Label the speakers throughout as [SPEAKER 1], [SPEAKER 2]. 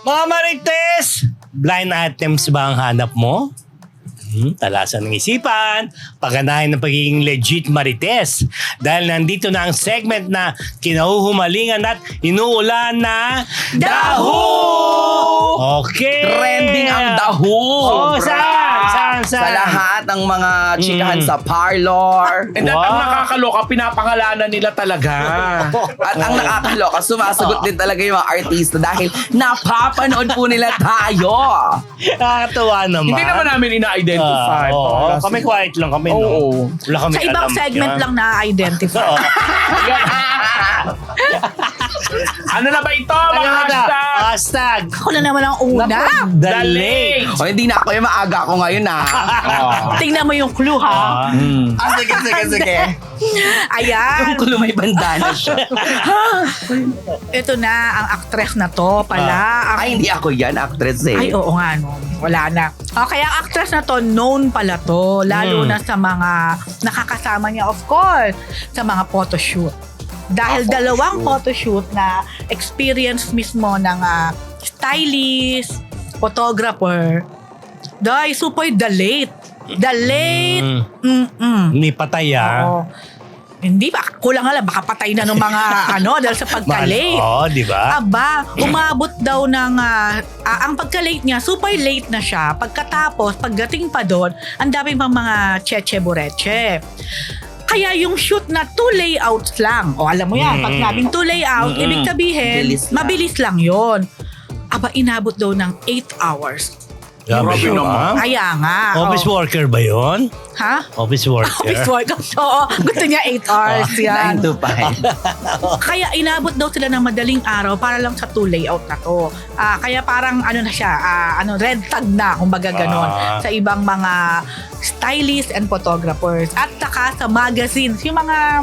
[SPEAKER 1] Mga Marites, blind items ba ang hanap mo? Talasan ng isipan, pagganahin ng pagiging legit Marites. Dahil nandito na ang segment na kinahuhumalingan at inuulan na Daho! Okay!
[SPEAKER 2] Trending ang daho.
[SPEAKER 1] Oh, saan?
[SPEAKER 2] Sa lahat ng mga chikahan sa parlor.
[SPEAKER 3] And then, ang nakakaloka, pinapangalanan nila talaga.
[SPEAKER 2] At ang nakakaloka, sumasagot din talaga yung mga artista dahil napapanood po nila tayo.
[SPEAKER 1] Nakakatuwa naman.
[SPEAKER 3] Hindi naman namin ina-identify.
[SPEAKER 1] Oo, kami quiet lang kami.
[SPEAKER 3] Oo.
[SPEAKER 1] No? Wala kami
[SPEAKER 4] Sa ibang
[SPEAKER 1] alam
[SPEAKER 4] segment
[SPEAKER 1] dyan.
[SPEAKER 4] lang na-identify.
[SPEAKER 1] Oo.
[SPEAKER 3] Ano na ba ito, mga hashtag?
[SPEAKER 1] Hashtag.
[SPEAKER 4] Ako na naman ang una.
[SPEAKER 1] The late.
[SPEAKER 2] O, hindi na ako yung maaga ako ngayon
[SPEAKER 4] Tingnan mo yung clue, ha?
[SPEAKER 2] Sige.
[SPEAKER 4] Ayan.
[SPEAKER 2] Kung may bandana siya.
[SPEAKER 4] Ito na, ang actress na to pala.
[SPEAKER 2] Ay, hindi ako yan, actress eh.
[SPEAKER 4] Ay, oo nga, no. Wala na. Okay, ang actress na to, known pala to. Lalo na sa mga nakakasama niya, of course, sa mga photoshoot. Dahil dalawang photoshoot na experience mismo ng stylist, photographer. Dahil super the late. The late.
[SPEAKER 1] Hindi patay
[SPEAKER 4] Oo. Hindi ba? Kulang nga lang. Baka patay na ng mga dahil sa pagka-late.
[SPEAKER 1] Oo, di ba?
[SPEAKER 4] Aba, umabot daw ng ang pagka-late niya, super late na siya. Pagkatapos, pagdating pa doon, ang dami pang mga cheche-bureche. Kaya yung shoot na 2 layouts lang. O alam mo yan, pag nabing 2 layout, ibig sabihin, mabilis lang yon. Aba, inabot daw ng 8 hours.
[SPEAKER 1] Grabe
[SPEAKER 3] Grabe
[SPEAKER 1] naman.
[SPEAKER 4] Kaya nga.
[SPEAKER 1] Office worker ba yon?
[SPEAKER 4] Ha?
[SPEAKER 1] Office worker?
[SPEAKER 4] Office work. Oo, gusto niya 8 hours yan.
[SPEAKER 2] 9 to 5.
[SPEAKER 4] Kaya inabot daw sila ng madaling araw para lang sa 2 layout na to. Kaya parang na siya, red tag na, kumbaga ganon, sa ibang mga stylists and photographers. At saka sa magazines, yung mga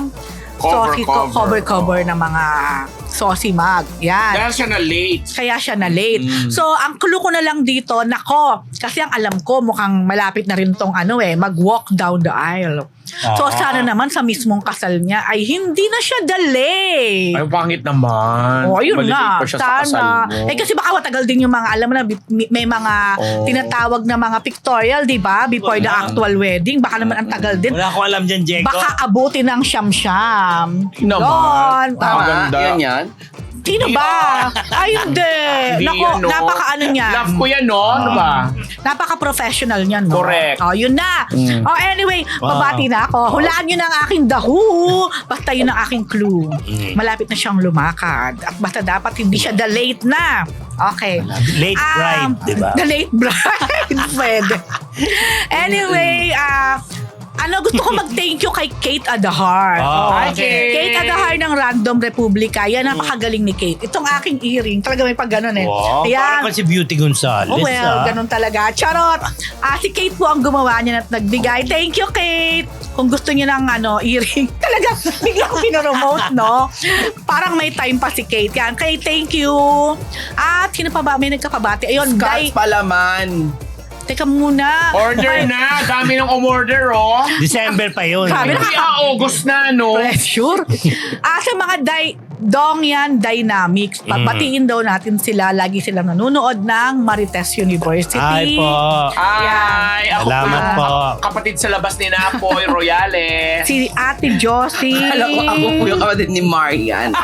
[SPEAKER 4] cover ng mga saucy mag. Yan.
[SPEAKER 3] Dahil siya na late.
[SPEAKER 4] Kaya siya na late. So, ang clue ko na lang dito, nako, kasi ang alam ko, mukhang malapit na rin tong mag-walk down the aisle. So, sana naman sa mismong kasal niya ay hindi na siya delay.
[SPEAKER 3] Ay, pangit naman.
[SPEAKER 4] Oh, ayun
[SPEAKER 3] Malilate
[SPEAKER 4] nga.
[SPEAKER 3] pa siya sa kasal
[SPEAKER 4] Sana.
[SPEAKER 3] mo.
[SPEAKER 4] Kasi baka matagal din yung mga, alam mo na, may mga tinatawag na mga pictorial, di ba? Before the actual wedding. Baka naman ang tagal din.
[SPEAKER 1] Wala akong alam dyan, Jeko.
[SPEAKER 4] Baka abutin ng siyam-siyam.
[SPEAKER 3] Naman.
[SPEAKER 4] Yun.
[SPEAKER 3] Maganda.
[SPEAKER 2] Yan.
[SPEAKER 4] Sino ba? Ay, hindi.
[SPEAKER 3] Hindi
[SPEAKER 4] Nako,
[SPEAKER 3] yan, no?
[SPEAKER 4] napaka-ano niya.
[SPEAKER 3] Love ko yan, no? Ano ba?
[SPEAKER 4] Napaka-professional niyan, no?
[SPEAKER 3] Correct.
[SPEAKER 4] Oh, yun na. Oh, anyway, babati na ako. Hulaan nyo na ang aking dahu. Basta yun ang aking clue. Malapit na siyang lumakad. At basta dapat hindi siya the late na. Okay.
[SPEAKER 1] Late bride, di ba?
[SPEAKER 4] The late bride. Pwede. Anyway, gusto ko mag-thank you kay Kate Adahar.
[SPEAKER 1] Hi,
[SPEAKER 3] Kate.
[SPEAKER 4] Kate Adahar ng Random Republica. Yan, napakagaling ni Kate. Itong aking earring, talaga may pag ganun eh.
[SPEAKER 1] Wow,
[SPEAKER 4] Ayan.
[SPEAKER 1] parang si Beauty Gonzales.
[SPEAKER 4] Oh, well, ganun talaga. Charot! Si Kate po ang gumawa niya at nagbigay. Thank you, Kate! Kung gusto niyo ng earring, talaga bigla ko pinoromote, no? Parang may time pa si Kate. Yan, Kate, thank you! At sino pa ba? May nagkakabati. Ayun,
[SPEAKER 2] Scotch palaman.
[SPEAKER 4] Teka muna.
[SPEAKER 3] Order na. Dami ng umorder, oh.
[SPEAKER 1] December pa yun.
[SPEAKER 4] Sabi na-
[SPEAKER 3] Hindi August na, no?
[SPEAKER 4] Pressure. Sa mga Dongyan Dynamics, batiin daw natin sila. Lagi silang nanonood ng Marites University.
[SPEAKER 1] Ay po.
[SPEAKER 3] Ay, ako
[SPEAKER 1] Salamat
[SPEAKER 3] po.
[SPEAKER 1] po.
[SPEAKER 3] Kapatid sa labas ni Napoy Royales.
[SPEAKER 4] Si Ate Josie.
[SPEAKER 2] Alam ko, ako po yung kapatid ni Marian.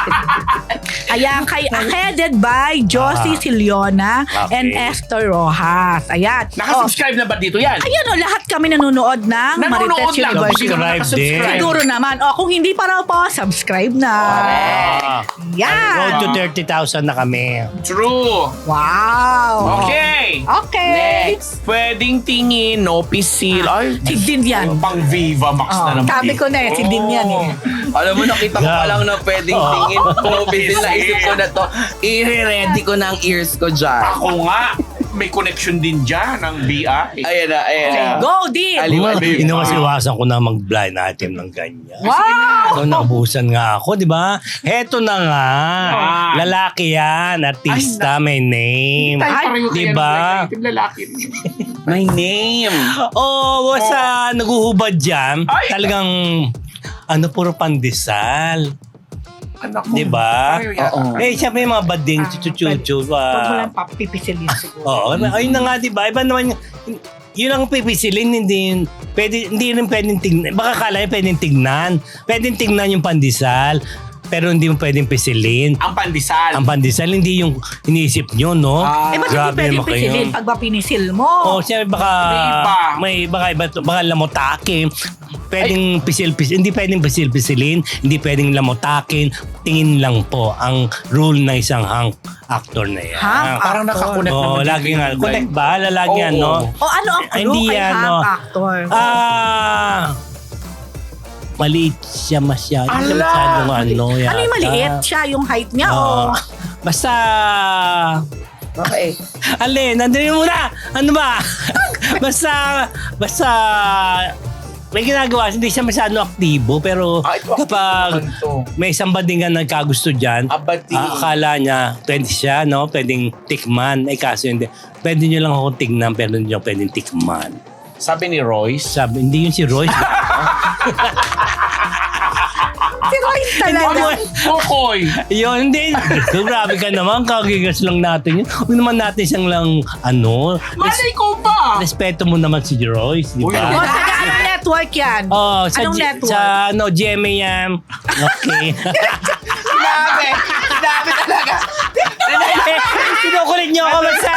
[SPEAKER 4] Ayan, headed by Josie Siliona and
[SPEAKER 1] Okay.
[SPEAKER 4] Esther Rojas. Ayan.
[SPEAKER 3] Nakasubscribe na ba dito yan?
[SPEAKER 4] Ayan lahat kami nanonood ng
[SPEAKER 3] Nanonood
[SPEAKER 4] Marites
[SPEAKER 3] lang.
[SPEAKER 4] University.
[SPEAKER 3] Hindi naman
[SPEAKER 1] Subscribe din.
[SPEAKER 3] nakasubscribe.
[SPEAKER 4] Siguro naman. Kung hindi pa raw po, subscribe na. Yan.
[SPEAKER 1] Road to 30,000 na kami.
[SPEAKER 3] True.
[SPEAKER 4] Wow.
[SPEAKER 3] Okay.
[SPEAKER 4] Okay.
[SPEAKER 3] Pwedeng tingin, no pisil. Ay,
[SPEAKER 4] Si Din yan.
[SPEAKER 3] pang Viva Max na naman.
[SPEAKER 4] Sabi ko na si Din yan eh.
[SPEAKER 2] Alam mo, nakita ko pa lang na pwedeng tingin. Pumisil na isip ko na to. I-ready ko na ang ears ko dyan.
[SPEAKER 3] Ako nga, may connection din dyan ng BI.
[SPEAKER 2] Ayan na.
[SPEAKER 4] Go, Din.
[SPEAKER 2] Aliwan.
[SPEAKER 1] Inuwasiwasan ko na mag-blind item ng ganyan.
[SPEAKER 4] Wow.
[SPEAKER 1] So, naubusan nga ako, di ba? Heto na nga. Lalaki yan. Artista, may name. Di ba?
[SPEAKER 3] Lalaki.
[SPEAKER 2] My name.
[SPEAKER 1] Oh, sa naguhubad dyan,
[SPEAKER 3] Ay!
[SPEAKER 1] talagang, puro pandesal.
[SPEAKER 3] Anak ko.
[SPEAKER 1] Di ba?
[SPEAKER 3] Ayaw yata.
[SPEAKER 2] Oo.
[SPEAKER 1] Eh, siya may mga bading, chuchu-chuchu.
[SPEAKER 4] Huwag mo lang papipisilin siguro.
[SPEAKER 1] Oo, ayun na nga, di ba? Iba naman yun ang pipisilin, hindi rin pwedeng tignan. Baka kala niya pwedeng tignan. Pwedeng tignan yung pandesal, pero hindi mo pwedeng pisilin.
[SPEAKER 3] Ang pandesal.
[SPEAKER 1] Ang pandesal, hindi yung iniisip nyo, no?
[SPEAKER 3] Ah.
[SPEAKER 4] Eh, ba't hindi
[SPEAKER 1] Grabe
[SPEAKER 4] pwedeng
[SPEAKER 1] naman kayo.
[SPEAKER 4] pisilin pag ba pinisil mo?
[SPEAKER 1] Oh, siya baka baka lamotake. Pwedeng pisil-pisil, hindi pwedeng pisil-pisilin, hindi pwedeng lamotakin. Tingin lang po ang rule ng isang hunk actor na yan.
[SPEAKER 4] Hunk
[SPEAKER 3] Parang nakakonect
[SPEAKER 1] Oo,
[SPEAKER 3] naman.
[SPEAKER 1] lagi nga. Connect ba? Lagi
[SPEAKER 3] Oo.
[SPEAKER 1] yan, no?
[SPEAKER 4] O ano ang clue
[SPEAKER 1] Hindi
[SPEAKER 4] kay
[SPEAKER 1] yan,
[SPEAKER 4] hang
[SPEAKER 1] no.
[SPEAKER 4] actor?
[SPEAKER 1] Maliit siya masyado. Hindi
[SPEAKER 3] Ala!
[SPEAKER 1] masyadong ano yata.
[SPEAKER 4] Ano yung maliit? Siya yung height niya o?
[SPEAKER 1] Basta...
[SPEAKER 2] Okay.
[SPEAKER 1] Alin, nandun muna! Ano ba? basta... May ginagawa, hindi siya masyadong aktibo, pero
[SPEAKER 3] Ito,
[SPEAKER 1] kapag
[SPEAKER 3] ito.
[SPEAKER 1] may isang bading nga nagkagusto dyan,
[SPEAKER 3] Abati.
[SPEAKER 1] akala niya, pwede siya, no? Pwedeng tikman. Eh kaso hindi. Pwede nyo lang ako tignan, pero hindi nyo pwedeng tikman.
[SPEAKER 3] Sabi ni Royce.
[SPEAKER 1] Sabi, hindi yun si Royce.
[SPEAKER 4] Si Royce talaga.
[SPEAKER 3] Kokoy.
[SPEAKER 1] Yun, hindi. Grabe ka naman, kagigas lang natin yun. Huwag naman natin siyang lang,
[SPEAKER 3] Malay ko ba?
[SPEAKER 1] respeto mo naman si Royce, di
[SPEAKER 4] O,
[SPEAKER 3] Uy,
[SPEAKER 1] ba?
[SPEAKER 4] taga anong network yan?
[SPEAKER 1] Oh,
[SPEAKER 4] Anong network?
[SPEAKER 1] Sa GMA yan. Okay.
[SPEAKER 2] Sinabi talaga.
[SPEAKER 1] Kinukulit niyo ako sa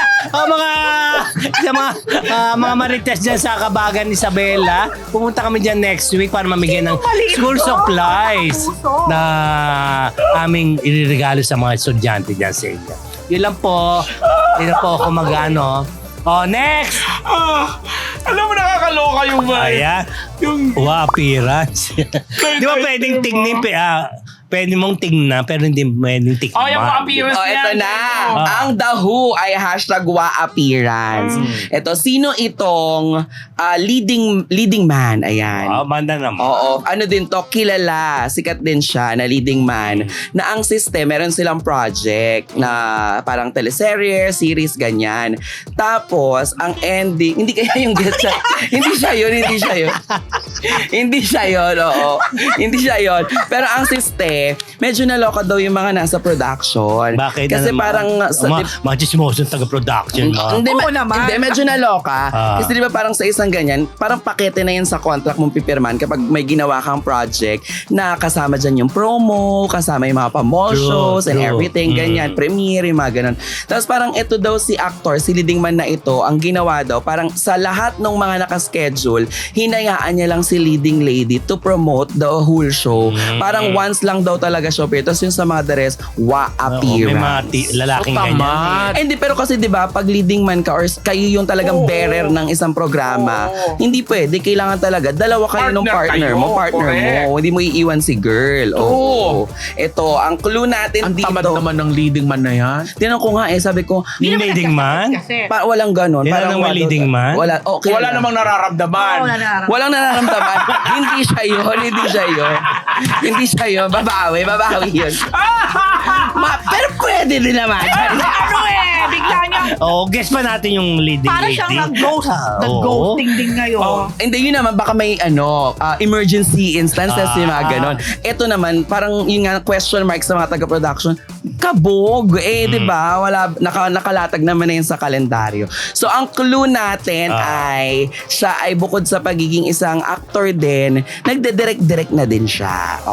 [SPEAKER 1] mga marites dyan sa Kabagan Isabela. Pumunta kami dyan next week para mamigay ng
[SPEAKER 4] maliit
[SPEAKER 1] school
[SPEAKER 4] to?
[SPEAKER 1] supplies
[SPEAKER 4] Puso.
[SPEAKER 1] na aming iririgalo sa mga estudyante dyan sa inyo. Yun lang po. Hindi na po ako mag-ano. Oh, next!
[SPEAKER 3] Alam mo, nakakaloka yung
[SPEAKER 1] Ayan.
[SPEAKER 3] Yung...
[SPEAKER 1] Appearance. Di ba pwedeng tingnin? Pwede mong tingnan pero hindi pwedeng tikman.
[SPEAKER 3] Oh, yung appearance
[SPEAKER 2] Oh, ito
[SPEAKER 3] niya.
[SPEAKER 2] na.
[SPEAKER 1] Ah.
[SPEAKER 2] Ang The Who ay #WaAppearance. Ito, sino itong leading man? Ayan.
[SPEAKER 1] Oh, banda naman.
[SPEAKER 2] Oo, ano din to, kilala, sikat din siya na leading man, na ang system, meron silang project na parang teleserye, series, ganyan. Tapos, ang ending, hindi kaya yung get siya, hindi siya yun. Hindi siya yun, oo. Hindi siya yun. Pero ang system, medyo naloka daw yung mga nasa production.
[SPEAKER 1] Bakit?
[SPEAKER 2] Kasi
[SPEAKER 1] Ano naman?
[SPEAKER 2] parang,
[SPEAKER 1] mga chismoso taga-production mo.
[SPEAKER 2] hindi,
[SPEAKER 4] Oo naman.
[SPEAKER 2] Hindi, medyo naloka.
[SPEAKER 1] Ah.
[SPEAKER 2] Kasi di ba parang sa isang ganyan, parang pakete na yan sa contract mong pipirman kapag may ginawa kang project na kasama dyan yung promo, kasama yung mga pa-mall
[SPEAKER 1] True,
[SPEAKER 2] shows and
[SPEAKER 1] true.
[SPEAKER 2] everything, ganyan, premiere, yung mga ganun. Tapos parang ito daw si actor, si leading man na ito, ang ginawa daw, parang sa lahat ng mga nakaschedule, hinayaan niya lang si leading lady to promote the whole show. Parang once lang daw talaga siya appear. Tapos yung sa mga the rest,
[SPEAKER 1] May mga
[SPEAKER 2] appearance.
[SPEAKER 1] lalaking
[SPEAKER 3] So,
[SPEAKER 1] ganyan.
[SPEAKER 3] tama.
[SPEAKER 2] Hindi, pero kasi 'di ba, pag leading man ka or kayo yung talagang
[SPEAKER 3] Oo.
[SPEAKER 2] bearer ng isang programa,
[SPEAKER 3] Oo.
[SPEAKER 2] hindi pwede, kailangan talaga dalawa kayo ng partner
[SPEAKER 3] Partner kayo,
[SPEAKER 2] mo,
[SPEAKER 3] correct.
[SPEAKER 2] Hindi mo iiwan si girl. Oo. Ito, ang clue natin
[SPEAKER 3] Ang tamad
[SPEAKER 2] dito.
[SPEAKER 3] naman ng leading man na yan.
[SPEAKER 2] Tinanong ko nga sabi ko,
[SPEAKER 1] Yung leading man?
[SPEAKER 4] Kasi.
[SPEAKER 2] walang ganon.
[SPEAKER 1] Hindi na may leading man?
[SPEAKER 2] Wala. Okay.
[SPEAKER 3] Wala namang nararamdaman.
[SPEAKER 4] Oo, nararamdaman.
[SPEAKER 2] Walang nararamdaman. Hindi siya yun. Hindi siya yun. Babawi yun. Pero pwede din naman.
[SPEAKER 4] Ano bigla niya.
[SPEAKER 1] Oh, guess pa natin yung leading
[SPEAKER 4] Para
[SPEAKER 1] lady.
[SPEAKER 4] siyang nag-ghost.
[SPEAKER 1] Oo.
[SPEAKER 4] Nag-ghosting din ngayon.
[SPEAKER 2] Hindi, yun naman, baka may emergency instances, yung mga ganon. Ito naman, parang yung nga question mark sa mga taga-production, kabog. Di ba? Wala, nakalatag naman na yun sa kalendaryo. So, ang clue natin ay, siya ay bukod sa pagiging isang actor din, nagde-direct na din siya.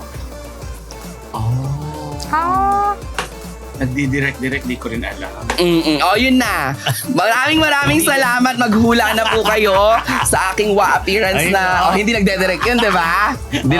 [SPEAKER 3] Nagdi-direct, di ko rin alam.
[SPEAKER 2] Yun na. Maraming salamat. Maghula na po kayo sa aking appearance
[SPEAKER 1] Ay,
[SPEAKER 2] na hindi nagde-direct yun, di ba?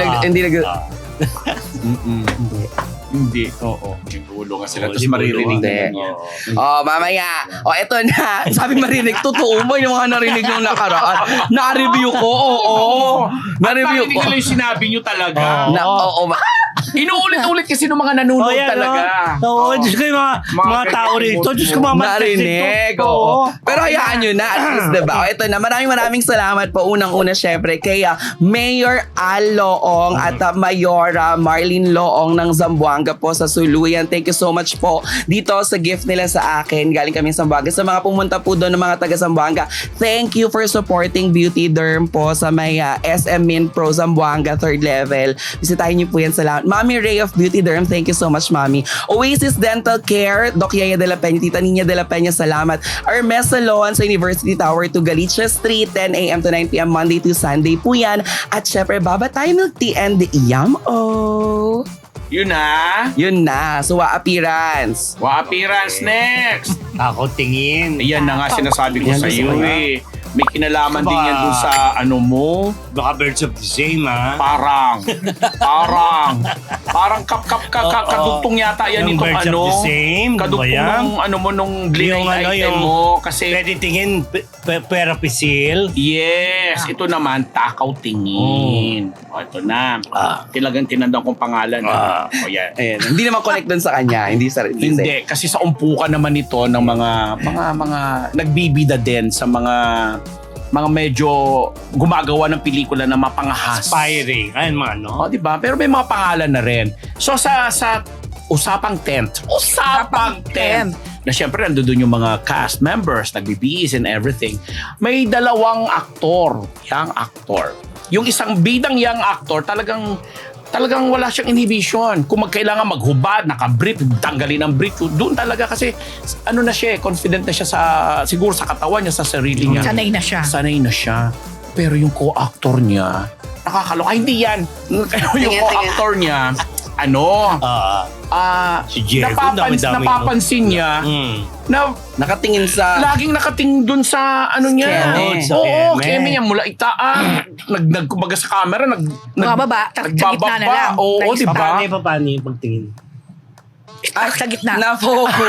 [SPEAKER 3] Hindi. Oo. Ginulo nga sila.
[SPEAKER 1] Oo,
[SPEAKER 3] Tapos maririnig
[SPEAKER 2] Hindi.
[SPEAKER 3] nila.
[SPEAKER 2] Mamaya. Eto na. Sabi marinig. Totoo mo yung mga narinig nung nakaraan. Na-review ko. Oo. Na-review
[SPEAKER 3] At
[SPEAKER 2] ko.
[SPEAKER 3] nila yung sinabi nyo talaga.
[SPEAKER 1] Oo.
[SPEAKER 3] Inuulit-ulit kasi ng mga nanonood talaga.
[SPEAKER 1] Oo, Diyos ko yung mga tao rito. Diyos ko mga
[SPEAKER 2] Narinig. Oo. Pero hayaan nyo na. At least, diba? Ito na. Maraming salamat po. Unang-una, syempre, kay Mayor Al Loong at Mayora Marlene Loong ng Zamboanga po sa Suluyan. Thank you so much po dito sa gift nila sa akin. Galing kami sa Zamboanga. Sa mga pumunta po doon ng mga taga Zamboanga, thank you for supporting Beauty Derm po sa may SM Min Pro Zamboanga 3rd level. Bisitahin niyo po yan. Salamat. Mami Mami Ray of Beauty Derm, thank you so much, Mami. Oasis Dental Care, Doc Yaya de la Peña, Tita Nina de la Peña, salamat. Hermes Salon sa University Tower to Galicia Street, 10 a.m. to 9 p.m. Monday to Sunday po yan. At syempre, Baba Tayo Milk Tea and Yum-O.
[SPEAKER 3] Yun na.
[SPEAKER 2] Yun na, suwa appearance.
[SPEAKER 3] Appearance next.
[SPEAKER 1] Ako tingin.
[SPEAKER 3] Ayan na nga sinasabi ko
[SPEAKER 2] Yan,
[SPEAKER 3] sa iyo
[SPEAKER 2] gusto ko
[SPEAKER 3] eh. May kinalaman
[SPEAKER 1] Aba.
[SPEAKER 3] din yan dun sa ano mo.
[SPEAKER 1] Baka birds of the same, ha?
[SPEAKER 3] Parang kadugtong yata yan
[SPEAKER 1] Yung
[SPEAKER 3] itong
[SPEAKER 1] birds
[SPEAKER 3] ano.
[SPEAKER 1] of the same.
[SPEAKER 3] Kadugtong
[SPEAKER 1] Ba yan?
[SPEAKER 3] nung ano mo nung blind
[SPEAKER 1] Yung ano,
[SPEAKER 3] item
[SPEAKER 1] yung-
[SPEAKER 3] mo. Kasi
[SPEAKER 1] Pwede tingin, pera pisil.
[SPEAKER 3] yes, ito naman takaw tingin. O ito na. Talagang tinandang kong pangalan. O yan.
[SPEAKER 2] Ayan, hindi naman connect dun sa kanya, hindi sa
[SPEAKER 3] Hindi, kasi sa umpukan naman ito ng mga nagbibida din sa mga medyo gumagawa ng pelikula na mapangahas.
[SPEAKER 1] Aspiring. Ayun mga ano.
[SPEAKER 3] O, di ba? Pero may mga pangalan na rin. So sa usapang tent, na syempre nandoon yung mga cast members, nagbibihis and everything. May dalawang young actor. Yung isang bidang young actor, talagang wala siyang inhibition. Kung magkailangan maghubad, naka-brief, tanggalin ang brief, doon talaga kasi ano na siya, confident na siya siguro sa katawan niya, sa sarili niya.
[SPEAKER 4] Sanay na siya.
[SPEAKER 3] Sanay na siya. Pero yung co-actor niya, nakakaloka. Hindi yan. Yung co-actor niya,
[SPEAKER 1] Si Jericho, dami-dami.
[SPEAKER 3] napapansin niya na
[SPEAKER 2] nakatingin sa
[SPEAKER 3] laging nakatingin dun sa ano niya.
[SPEAKER 2] Keme.
[SPEAKER 1] Sa
[SPEAKER 3] Oo,
[SPEAKER 1] keme.
[SPEAKER 3] keme niya mula itaan. Kumbaga sa camera,
[SPEAKER 4] Bumababa, sa gitna na lang.
[SPEAKER 3] Oo,
[SPEAKER 4] Nice.
[SPEAKER 3] di ba?
[SPEAKER 1] Paano yung pagtingin?
[SPEAKER 4] Sa gitna.
[SPEAKER 2] na-focus.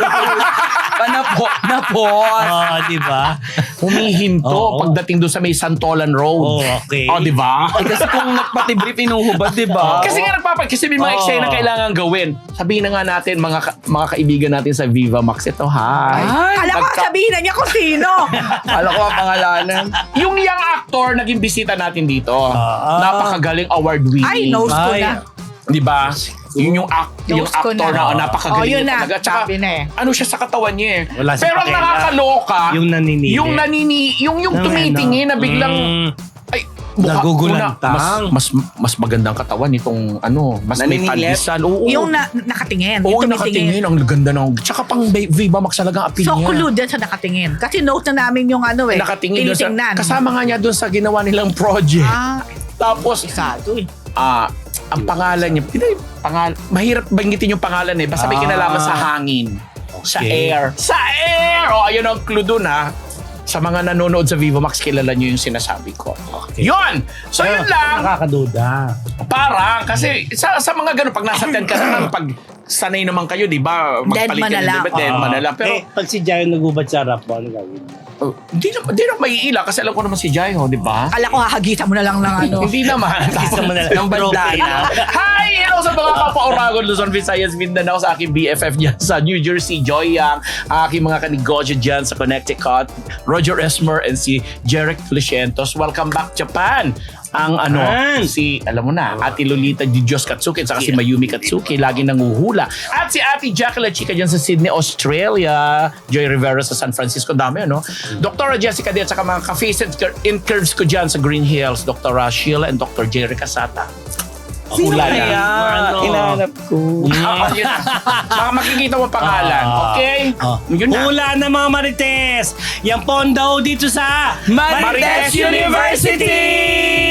[SPEAKER 2] Na-pause.
[SPEAKER 1] Di ba?
[SPEAKER 3] Humihinto
[SPEAKER 1] Oo.
[SPEAKER 3] pagdating dun sa may Santolan Road.
[SPEAKER 1] Okay.
[SPEAKER 3] Di ba?
[SPEAKER 2] Eh, kasi kung nagpati-brief, inuhubad, di ba?
[SPEAKER 3] Kasi nga kasi may mga
[SPEAKER 1] Oo.
[SPEAKER 3] eksena kailangan gawin. Sabihin na nga natin, mga kaibigan natin sa Viva Max, ito, hi.
[SPEAKER 4] Alam ko, sabihin na niya kung sino.
[SPEAKER 2] Alam ko ang pangalanan.
[SPEAKER 3] Yung young actor, naging bisita natin dito. Napakagaling award-winning.
[SPEAKER 4] Ay, nose ko
[SPEAKER 1] Ay.
[SPEAKER 4] na.
[SPEAKER 3] Di ba? Yun yung
[SPEAKER 4] Nose ko
[SPEAKER 3] actor
[SPEAKER 4] na.
[SPEAKER 3] na napakagaling
[SPEAKER 4] yun
[SPEAKER 3] niya
[SPEAKER 4] na.
[SPEAKER 3] talaga. Tsaka,
[SPEAKER 4] Sabi na eh.
[SPEAKER 3] ano siya sa katawan niya eh.
[SPEAKER 1] Wala siyang
[SPEAKER 3] Pero ang
[SPEAKER 1] pakialam.
[SPEAKER 3] nakakaloka,
[SPEAKER 1] Yung naninili.
[SPEAKER 3] yung tumitingin na biglang, ay,
[SPEAKER 1] Nagugulantang.
[SPEAKER 3] mas magandang katawan nitong mas may
[SPEAKER 2] Naninilit?
[SPEAKER 3] palisan. Oo.
[SPEAKER 4] Yung nakatingin.
[SPEAKER 3] Oo,
[SPEAKER 4] yung
[SPEAKER 3] nakatingin. Ang ganda ng... Tsaka pang Viva Max talagang appeal
[SPEAKER 4] So,
[SPEAKER 3] niya.
[SPEAKER 4] kulud din sa nakatingin. Kasi note na namin yung
[SPEAKER 3] Nakatingin doon sa...
[SPEAKER 4] tinitingnan.
[SPEAKER 3] Kasama nga niya doon sa ginawa nilang project. Tapos,
[SPEAKER 4] Isado eh.
[SPEAKER 3] ang pangalan niya, mahirap banggitin yung pangalan eh. Basta may kinalaman sa hangin. Sa
[SPEAKER 1] Okay.
[SPEAKER 3] air. Sa air! O, ayun ang clue dun ha. Sa mga nanonood sa Viva Max, kilala niyo yung sinasabi ko.
[SPEAKER 1] Okay.
[SPEAKER 3] Yun! So yun lang.
[SPEAKER 1] Nakakaduda.
[SPEAKER 3] Parang, kasi sa mga ganun, pag nasa 10 ka naman, pag sanay naman kayo, di ba?
[SPEAKER 4] Dead man na lang.
[SPEAKER 3] Dead man na lang. Pero,
[SPEAKER 1] Pag si Jayo nagubad sa harap mo, ano gagawin mo?
[SPEAKER 3] di na maiila kasi alam ko naman si Jai, di ba?
[SPEAKER 4] Kala ko hahagitan mo na lang ng ano.
[SPEAKER 3] Hindi naman.
[SPEAKER 1] Isa mo na lang.
[SPEAKER 2] Ng bandana.
[SPEAKER 3] Hi! Hello sa mga kapwa-Oragon, Luzon, Visayas, Mindanao, sa aking BFF dyan sa New Jersey, Joy Yang, aking mga kanegosyo dyan sa Connecticut, Roger Esmer, and si Jeric Felicientos. Welcome back, Japan! Ang alam mo na, Ate Lolita Di Diyos Katsuki, at saka si Mayumi Katsuki, lagi nanguhula. At si Ate Jackie La Chica dyan sa Sydney, Australia, Joy Rivera sa San Francisco, dami ano? Dr. Jessica din, at saka mga ka-face and curves ko dyan sa Green Hills, Dr. Sheila and Dr. Jerry Casata.
[SPEAKER 2] Sino
[SPEAKER 3] Hula
[SPEAKER 2] kaya?
[SPEAKER 1] Ano?
[SPEAKER 2] Inahanap ko.
[SPEAKER 3] Yun na. Makikita mo pangalan. Okay? Yun na.
[SPEAKER 1] Hula na mga Marites! Yan po ang daw dito sa
[SPEAKER 3] Marites University!